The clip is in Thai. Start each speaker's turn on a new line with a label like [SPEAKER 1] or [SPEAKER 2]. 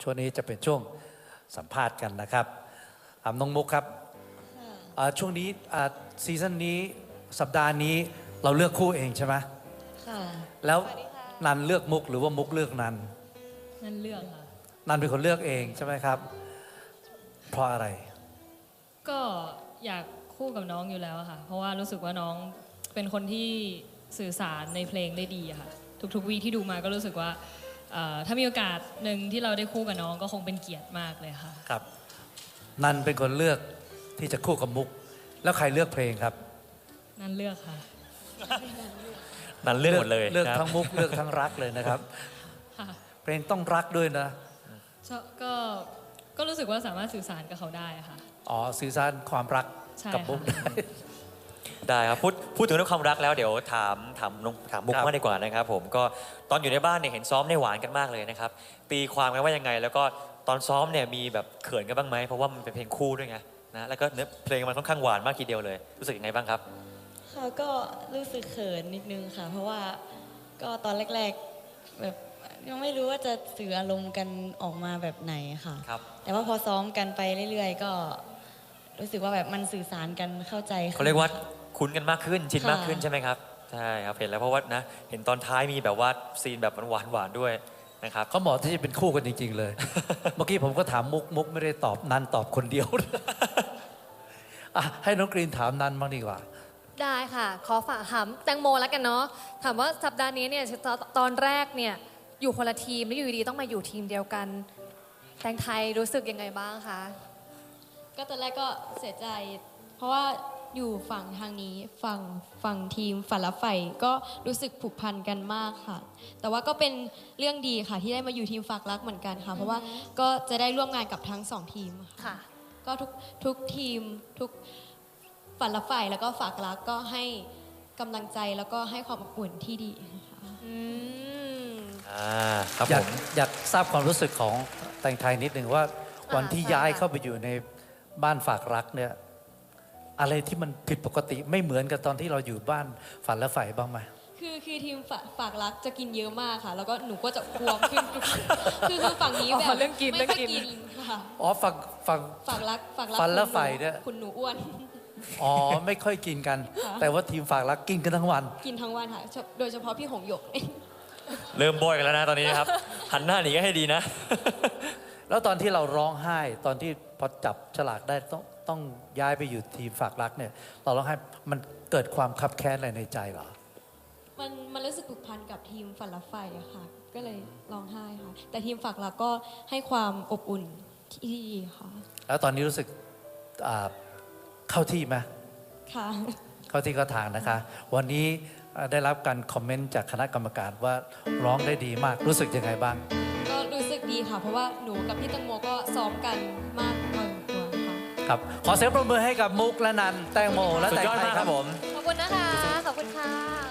[SPEAKER 1] ช่วงนี้จะเป็นช่วงสัมภาษณ์กันนะครับถามน้องมุกครับช่วงนี้ซีซั่นนี้สัปดาห์นี้เราเลือกคู่เองใช่ไหม
[SPEAKER 2] ค่ะ
[SPEAKER 1] แล้วนันเลือกมุกหรือว่ามุกเลือกนัน
[SPEAKER 3] นั่นเลือกค่ะ
[SPEAKER 1] นันเป็นคนเลือกเองใช่ไหมครับเพราะอะไร
[SPEAKER 3] ก็อยากคู่กับน้องอยู่แล้วอะค่ะ เพราะว่ารู้สึกว่าน้องเป็นคนที่สื่อสารในเพลงได้ดีอะค่ะ ทุกๆวีที่ดูมาก็รู้สึกว่าถ้ามีโอกาสหนึ่งที่เราได้คู่กับน้องก็คงเป็นเกียรติมากเลยค่ะ
[SPEAKER 1] ครับนันเป็นคนเลือกที่จะคู่กับมุก แล้วใครเลือกเพลงครับ
[SPEAKER 3] นั่นเลือกค่ะ
[SPEAKER 4] นั่นเลือกหมดเลย
[SPEAKER 1] เลือก
[SPEAKER 4] ครับ
[SPEAKER 1] ทั้งมุกเลือกทั้งรักเลยนะครับ
[SPEAKER 3] ค่ะ
[SPEAKER 1] เพลงต้องรักด้วยนะ
[SPEAKER 3] ก็รู้สึกว่าสามารถสื่อสารกับเขาได้อะค่ะ
[SPEAKER 1] อ๋อสื่อสารความรัก
[SPEAKER 3] ใช่
[SPEAKER 1] กับมุก
[SPEAKER 3] ค่ะ
[SPEAKER 1] ได้
[SPEAKER 4] ได้ครับพูดถึงเรื่องความรักแล้วเดี๋ยวถามมุก
[SPEAKER 1] ครับ
[SPEAKER 4] มากดีกว่านะครับผมก็ตอนอยู่ในบ้านเนี่ยเห็นซ้อมในหวานกันมากเลยนะครับตีความกันว่ายังไง แล้วก็ตอนซ้อมเนี่ยมีแบบเขินกันบ้างไหมเพราะว่ามันเป็นเพลงคู่ด้วยไงนะแล้วก็เนื้อเพลงมันค่อนข้างหวานมากทีเดียวเลยรู้สึกยังไงบ้างครับ
[SPEAKER 2] ค่ะก็รู้สึกเขินนิดนึงค่ะ เพราะว่าก็ตอนแรกๆแบบยังไม่รู้ว่าจะสื่ออารมณ์กันออกมาแบบไหนค่ะ
[SPEAKER 4] ครับ
[SPEAKER 2] แต่ว่าพอซ้อมกันไปเรื่อยๆ ก็รู้สึกว่าแบบมันสื่อสารกันเข้าใจขึ้น
[SPEAKER 4] เขาเรียกว่าคุ้นกันมากขึ้นชิน
[SPEAKER 2] ค่ะ
[SPEAKER 4] มากขึ้นใช่ไหมครับใช่ครับเห็นแล้วเพราะว่านะเห็นตอนท้ายมีแบบว่าซีนแบบหวานๆด้วยนะครับ
[SPEAKER 1] เขาเหมาะที่จะเป็นคู่กันจริง ๆ เลย เมื่อกี้ผมก็ถามมุกไม่ได้ตอบนันตอบคนเดียว อ่ะให้น้องกรีนถามนันบ้างดีกว่า
[SPEAKER 5] ได้ค่ะ ขอฝากถามแตงโมแล้วกันเนาะถามว่าสัปดาห์นี้เนี่ยตอนแรกเนี่ยอยู่คนละทีมแล้วอยู่ดีๆต้องมาอยู่ทีมเดียวกัน แตงไทยรู้สึกยังไงบ้างคะ
[SPEAKER 6] ก็ตอนแรกก็เสียใจ เพราะว่าอยู่ฝั่งทางนี้ฝั่งทีมฝันละไฟก็รู้สึกผูกพันกันมากค่ะ แต่ว่าก็เป็นเรื่องดีค่ะที่ได้มาอยู่ทีมฝากรักเหมือนกันค่ะ เพราะว่าก็จะได้ร่วมงานกับทั้งสองทีมค่ะ
[SPEAKER 5] ค่ะ
[SPEAKER 6] ก็ทุกทีมทุกฝันละไฟแล้วก็ฝากรักก็ให้กำลังใจแล้วก็ให้ความอบอุ่นที่ดีค่ะ
[SPEAKER 5] อืม
[SPEAKER 4] ครับ
[SPEAKER 1] อยา
[SPEAKER 4] ผ
[SPEAKER 1] ก
[SPEAKER 4] ม
[SPEAKER 1] อยากทราบความรู้สึกของแตงไทยนิดหนึ่งว่าวันที่
[SPEAKER 5] ใช่
[SPEAKER 1] ย้าย
[SPEAKER 5] ค่ะ
[SPEAKER 1] เข้าไปอยู่ในบ้านฝากรักเนี่ยอะไรที่มันผิดปกติไม่เหมือนกับตอนที่เราอยู่บ้านฝันและใฝ่บ้างไหม
[SPEAKER 6] คือทีมฝากรักจะกินเยอะมากค่ะ แล้วก็หนูก็จะพวมขึ้น คือฝั่งนี้แบบ
[SPEAKER 5] เรื่องกิน
[SPEAKER 6] ไม่ค่อย
[SPEAKER 5] เรื่องกิน
[SPEAKER 6] กินค่ะ
[SPEAKER 1] อ๋อฝั่ง
[SPEAKER 6] ฝากรัก
[SPEAKER 1] ฝันและใฝ่เนี่ย
[SPEAKER 6] คุณหนูอ้วน
[SPEAKER 1] อ๋อไม่ค่อยกินกัน
[SPEAKER 6] ค่ะ
[SPEAKER 1] แต่ว่าทีมฝากรักกินกันทั้งวัน
[SPEAKER 6] กินทั้งวันค่ะ โดยเฉพาะพี่หงหยก
[SPEAKER 4] เริ่มโบยกันแล้วนะตอนนี้นะครับ หันหน้าหนีก็ให้ดีนะ
[SPEAKER 1] แล้วตอนที่เราร้องไห้ตอนที่พอจับฉลากได้ต้องย้ายไปอยู่ทีมฝากรักเนี่ยเราร้องไห้มันเกิดความคับแค้นอะไรในใจเหรอ
[SPEAKER 6] มันรู้สึกผูกพันกับทีมฝันละไฟอะค่ะ ก็เลยร้องไห้ค่ะ แต่ทีมฝากรักก็ให้ความอบอุ่นที่ดีค่ะ
[SPEAKER 1] แล้วตอนนี้รู้สึกเข้าที่ไหม
[SPEAKER 6] ค่ะ
[SPEAKER 1] เข้าที่เข้าทางนะคะ วันนี้ได้รับการคอมเมนต์จากคณะกรรมการว่าร้องได้ดีมากรู้สึกยังไงบ้าง
[SPEAKER 6] ก็รู้สึกดีค่ะ เพราะว่าหนูกับพี่ตังโมก็ซ้อมกันมากพอสมควรค่ะ
[SPEAKER 1] ครับ ขอเสียงปรบมือให้กับมุกและนันแตงโมและ
[SPEAKER 4] สุด
[SPEAKER 1] แตง
[SPEAKER 4] ยอด
[SPEAKER 1] ไทย
[SPEAKER 4] มาก
[SPEAKER 1] ค
[SPEAKER 4] ค
[SPEAKER 1] รั
[SPEAKER 4] รับ บผม
[SPEAKER 5] ขอบคุณนะคะ ขอบคุณค่ะ